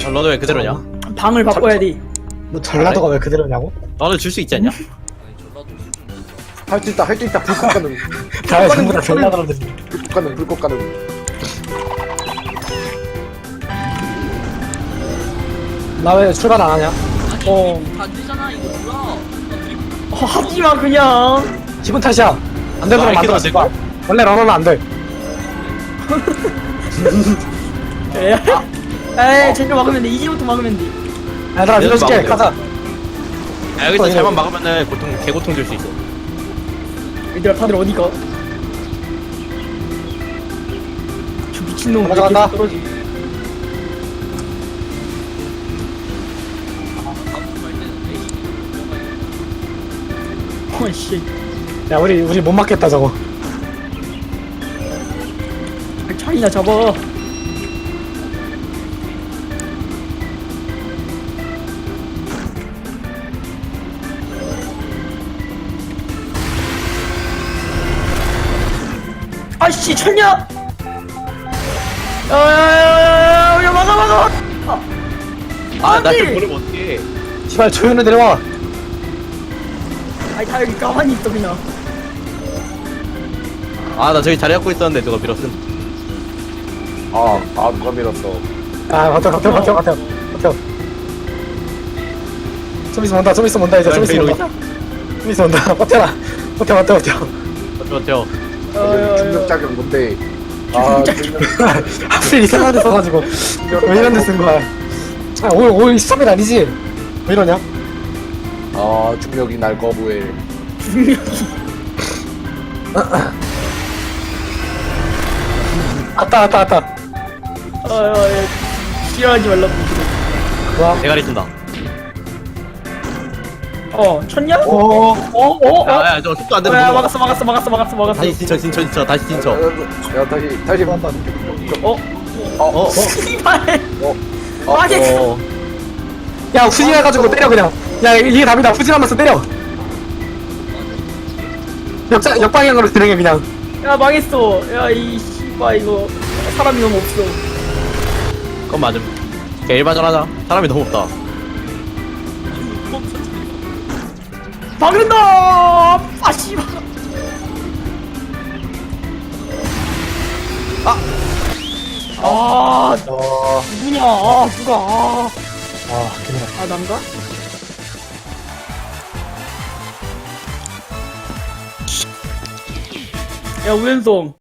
전라도 왜 그대로냐? 방을 바꿔야 돼. 너 전라도가 왜 그대로냐고? 너는 줄 수 있지 않냐? 할 수 있다 할 수 있다 불꽃 가능 다 전부 다 전라도라더니. 불꽃 가능 불꽃 가능. 나 왜 출발 안 하냐? 어. 안 되잖아 이거 몰라. 하지마 그냥. 기분 탓이야. 안 되도록 아, 만들었을 기분 거야. 원래 러너는 안 돼. 에이 쟤네 막으면 돼. 이제부터 막으면 돼. 얘들아 밀어줄게. 막으면 가자. 야, 여기서 잘만 막으면은 개고통 줄 수 있어. 얘들아 다들 어디 가? 저 미친놈 왜 가져간다. 계속 떨어지? 어이씨. 야 우리 못 맞겠다 저거. 차이나 잡아. 아씨 쳤냐? 야야야야야 막아. 아, 나 아니! 좀 모르면 어떡해. 시발 조연을 내려와. 아니 다 여기 가만히 있어 그냥. 아, 나 저기 자리 잡고 있었는데 누가 밀었음. 아 누가 밀었어. 아 버텨. 좀 있으면 온다. 좀 있으면 온다 이제. 좀 있으면 온다. 좀 있으면 온다. 버텨라. 버텨. 버텨. 중력 작용 뭔데? 아 중력 하필 이상한 데 써가지고 왜 이런 데 쓴 거야? 아 올 스톱이 아니지? 왜 이러냐? 아 중력이 날 거부해. 왔다. 싫어하지 말라고. 뭐야? 대가리 쓴다. 쳤냐? 오. 야, 저 속도 안 되는 야 거. 막았어. 다시 진쳐. 다시 진쳐. 야 다시 한다. 씨발. 어, 망했어. 야 후진해가지고 때려 그냥. 야 이게 답이다. 후진하면서 때려. 역방향으로 진행해 그냥. 야 망했어. 야 이 씨발 이거 사람이 너무 없어. 그건 맞음. 그냥 일반전 하자. 사람이 너무 없다. 막는다. 아 씨발. 아 누구냐? 누가? 그냥. 난가? 야 우연성